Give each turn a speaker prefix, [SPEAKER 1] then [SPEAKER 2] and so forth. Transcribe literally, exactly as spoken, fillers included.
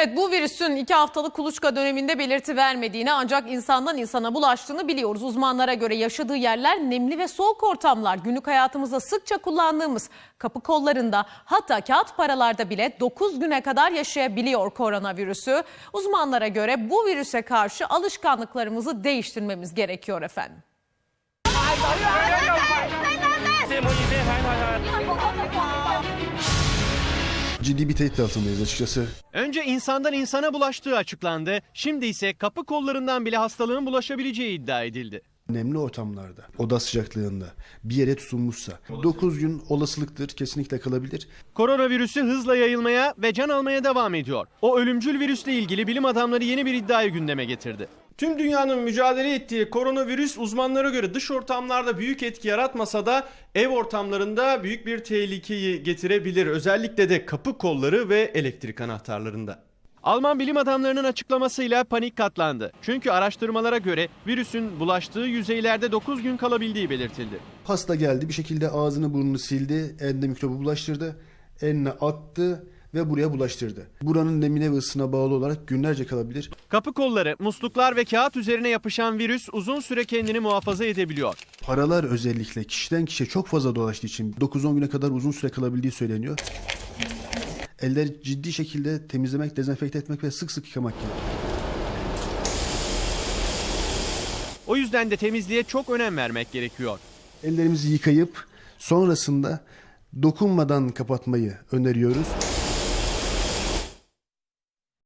[SPEAKER 1] Evet, bu virüsün iki haftalık kuluçka döneminde belirti vermediğini ancak insandan insana bulaştığını biliyoruz. Uzmanlara göre yaşadığı yerler nemli ve soğuk ortamlar. Günlük hayatımızda sıkça kullandığımız kapı kollarında, hatta kağıt paralarda bile dokuz güne kadar yaşayabiliyor koronavirüsü. Uzmanlara göre bu virüse karşı alışkanlıklarımızı değiştirmemiz gerekiyor efendim.
[SPEAKER 2] Ciddi bir tehdit altındayız açıkçası.
[SPEAKER 3] Önce insandan insana bulaştığı açıklandı. Şimdi ise kapı kollarından bile hastalığın bulaşabileceği iddia edildi.
[SPEAKER 2] Nemli ortamlarda, oda sıcaklığında bir yere tutunmuşsa dokuz gün olasılıktır, kesinlikle kalabilir.
[SPEAKER 3] Koronavirüsü hızla yayılmaya ve can almaya devam ediyor. O ölümcül virüsle ilgili bilim adamları yeni bir iddiayı gündeme getirdi.
[SPEAKER 4] Tüm dünyanın mücadele ettiği koronavirüs uzmanlara göre dış ortamlarda büyük etki yaratmasa da ev ortamlarında büyük bir tehlikeyi getirebilir. Özellikle de kapı kolları ve elektrik anahtarlarında.
[SPEAKER 3] Alman bilim adamlarının açıklamasıyla panik katlandı. Çünkü araştırmalara göre virüsün bulaştığı yüzeylerde dokuz gün kalabildiği belirtildi.
[SPEAKER 2] Hasta geldi, bir şekilde ağzını burnunu sildi, eline mikrobu bulaştırdı, eline attı ve buraya bulaştırdı. Buranın nemine ve ısısına bağlı olarak günlerce kalabilir.
[SPEAKER 3] Kapı kolları, musluklar ve kağıt üzerine yapışan virüs uzun süre kendini muhafaza edebiliyor.
[SPEAKER 2] Paralar özellikle kişiden kişiye çok fazla dolaştığı için dokuz on güne kadar uzun süre kalabildiği söyleniyor. Eller ciddi şekilde temizlemek, dezenfekte etmek ve sık sık yıkamak gerekiyor.
[SPEAKER 3] O yüzden de temizliğe çok önem vermek gerekiyor.
[SPEAKER 2] Ellerimizi yıkayıp sonrasında dokunmadan kapatmayı öneriyoruz.